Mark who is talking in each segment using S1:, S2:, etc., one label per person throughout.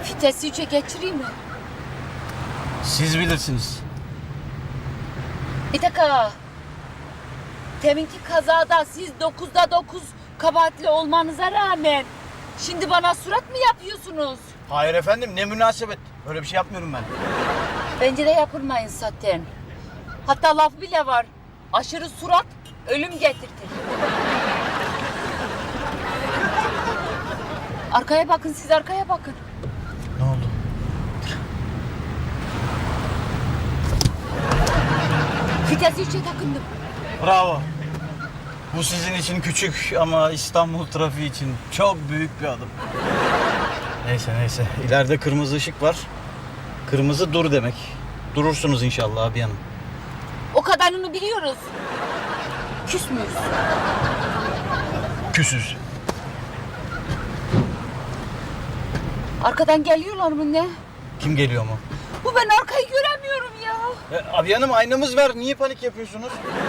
S1: Vitesi 3'e geçireyim mi?
S2: Siz bilirsiniz.
S1: Bir dakika. Teminki kazada siz 9'da 9 kabahatli olmanıza rağmen şimdi bana surat mı yapıyorsunuz?
S2: Hayır efendim, ne münasebet. Öyle bir şey yapmıyorum ben.
S1: Bence de yapılmayın zaten. Hatta laf bile var. Aşırı surat ölüm getirtir. Arkaya bakın, siz arkaya bakın.
S2: Ne oldu?
S1: Vitesi 3'e takındım.
S2: Bravo. Bu sizin için küçük ama İstanbul trafiği için çok büyük bir adım. Neyse. İleride kırmızı ışık var. Kırmızı dur demek. Durursunuz inşallah abi hanım.
S1: O kadarını biliyoruz. Küs müyüz?
S2: Küsüz.
S1: Arkadan geliyorlar mı ne?
S2: Kim geliyor mu?
S1: Bu ben arkayı göremiyorum ya.
S2: Abi hanım, aynamız var. Niye panik yapıyorsunuz?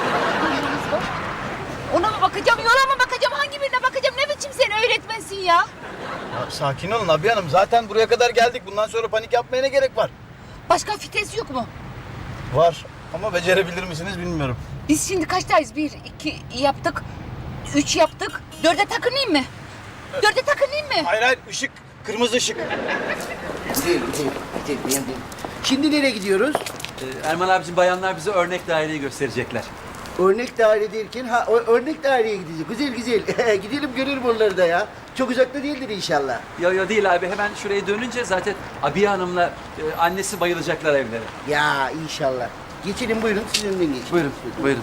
S1: Ona mı bakacağım, yola mı bakacağım, hangi birine bakacağım? Ne biçim sen öğretmensin ya?
S2: Ya, sakin olun abi hanım. Zaten buraya kadar geldik. Bundan sonra panik yapmaya ne gerek var?
S1: Başka vites yok mu?
S2: Var ama becerebilir misiniz bilmiyorum.
S1: Biz şimdi kaçtayız? 1, 2 yaptık. 3 yaptık. 4'e takınayım mı? 4'e takınayım mı?
S2: Hayır, ışık. Kırmızı ışık.
S3: Değil. Şimdi nereye gidiyoruz?
S4: Erman abicim, bayanlar bize örnek daireyi gösterecekler.
S3: Örnek daire derken, örnek daireye gideceğiz. Güzel. Gidelim görelim onları da ya. Çok uzakta değildir inşallah.
S4: Yo değil abi, hemen şuraya dönünce zaten Abiye Hanım'la annesi bayılacaklar evlere.
S3: Ya inşallah. Geçelim buyurun, siz önden geçin.
S4: Buyurun.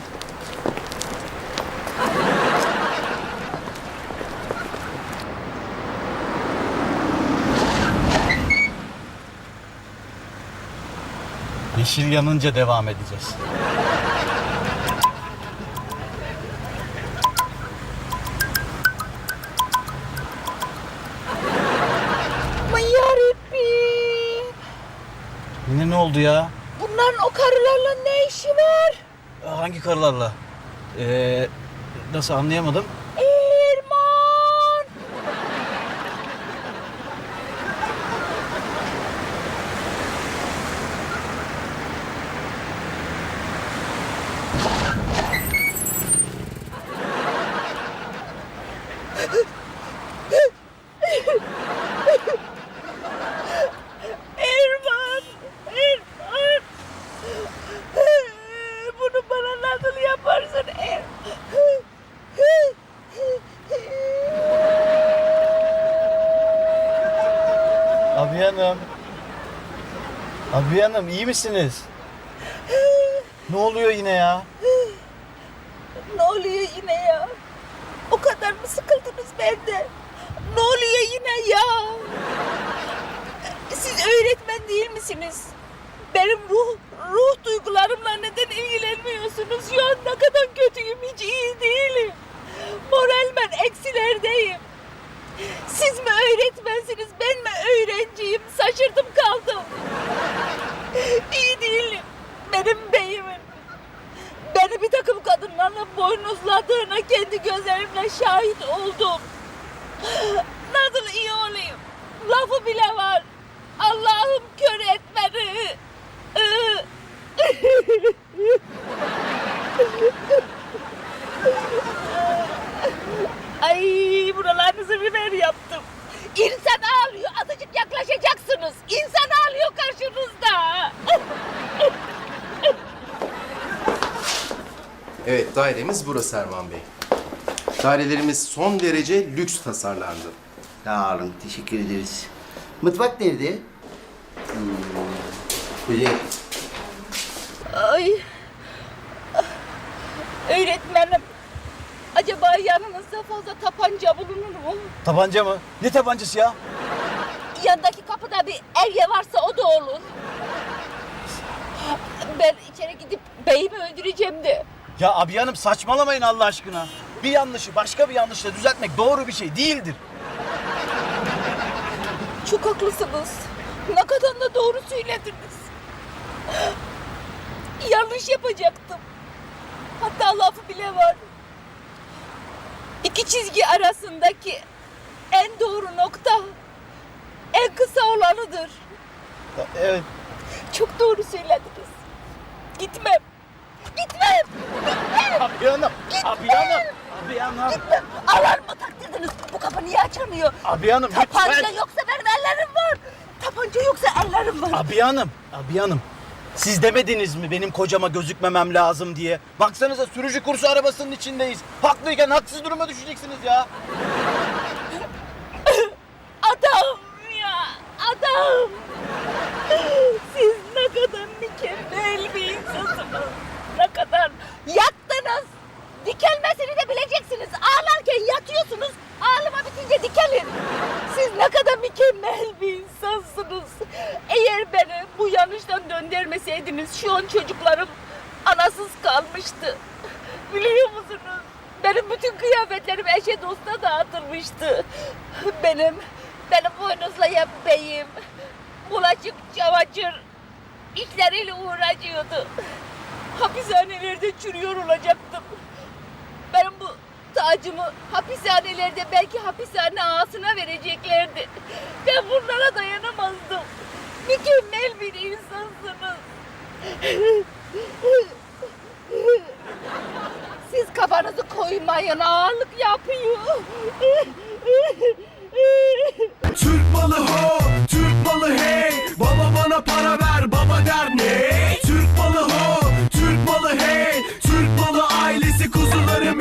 S2: Yeşil yanınca devam edeceğiz.
S1: Aman yarabbim.
S2: Yine ne oldu ya?
S1: Bunların o karılarla ne işi var?
S2: Hangi karılarla? Nasıl, anlayamadım?
S1: Erman. Erman. Bunu bana nasıl yaparsın
S2: Abi hanım iyi misiniz? Ne oluyor yine ya?
S1: Ne oluyor yine ya? O kadar mı sıkıldınız benden? Ne oluyor yine ya? Siz öğretmen değil misiniz? Benim ruh duygularımla neden ilgilenmiyorsunuz? Şu an ne kadar kötüyüm, hiç iyi değilim. Moralmen eksilerdeyim. Siz mi öğretmensiniz, ben mi öğrenciyim? Şaşırdım kaldım. İyi değilim. Benim beyimin beni bir takım kadınlarla boynuzladığına kendi gözlerimle şahit oldum. Nasıl iyi olayım? Lafı bile var. Allah'ım kör et beni. Ay, buralarınızı biber yaptım. İnsan ağlıyor, azıcık yaklaşacaksınız. İnsan ağlıyor karşınızda.
S5: Evet, dairemiz burası Erman Bey. Dairelerimiz son derece lüks tasarlandı.
S3: Sağ olun, teşekkür ederiz. Mutfak nerede? Güzel.
S1: Ay. Öğretmenim. Acaba yanınızda fazla tabanca bulunur mu?
S2: Tabanca mı? Ne tabancası ya?
S1: Yandaki kapıda bir erye varsa o da olur. Ben içeri gidip beyimi öldüreceğim de.
S2: Ya abi hanım saçmalamayın Allah aşkına. Bir yanlışı başka bir yanlışla düzeltmek doğru bir şey değildir.
S1: Çok haklısınız. Ne kadar da doğru söylediniz. Yanlış yapacaktım. Hatta lafı bile var. İki çizgi arasındaki en doğru nokta en kısa olanıdır.
S2: Evet.
S1: Çok doğru söylediniz. Gitmem. Gitmem.
S2: Abi hanım. Abi hanım. Abi hanım.
S1: Gitmem. Alarm mı taktırdınız? Bu kapı niye açılmıyor?
S2: Abi hanım
S1: Tapanca
S2: lütfen.
S1: yoksa benim ellerim var. Tapanca yoksa ellerim var.
S2: Abi hanım. Abi hanım. Siz demediniz mi benim kocama gözükmemem lazım diye? Baksanıza sürücü kursu arabasının içindeyiz. Haklıyken haksız duruma düşeceksiniz ya.
S1: Adam ya. Adam. Siz ne kadar mükemmel bir insansınız. Ne kadar yattınız. Dikelmesini de bileceksiniz. Ağlarken yatıyorsunuz. Ağlama bitince dikelin. Siz ne kadar mükemmel bir insansınız. Eğer beni bu yanlıştan döndürmeseydiniz şu an çocuklarım anasız kalmıştı. Biliyor musunuz? Benim bütün kıyafetlerim eşe dosta dağıtılmıştı. Benim boynuzlayan beyim bulaşık, çamaşır işleriyle uğraşıyordu. Hapishanelerde çürüyor olacaktım. Benim bu tacımı hapishanelerde belki hapishane ağasına vereceklerdi. Ben bunlara dayanamazdım. Mükemmel bir insansınız. Siz kafanızı koymayın, ağırlık yapıyor.
S6: Türk malı ho, Türk malı hey. Baba bana para ver.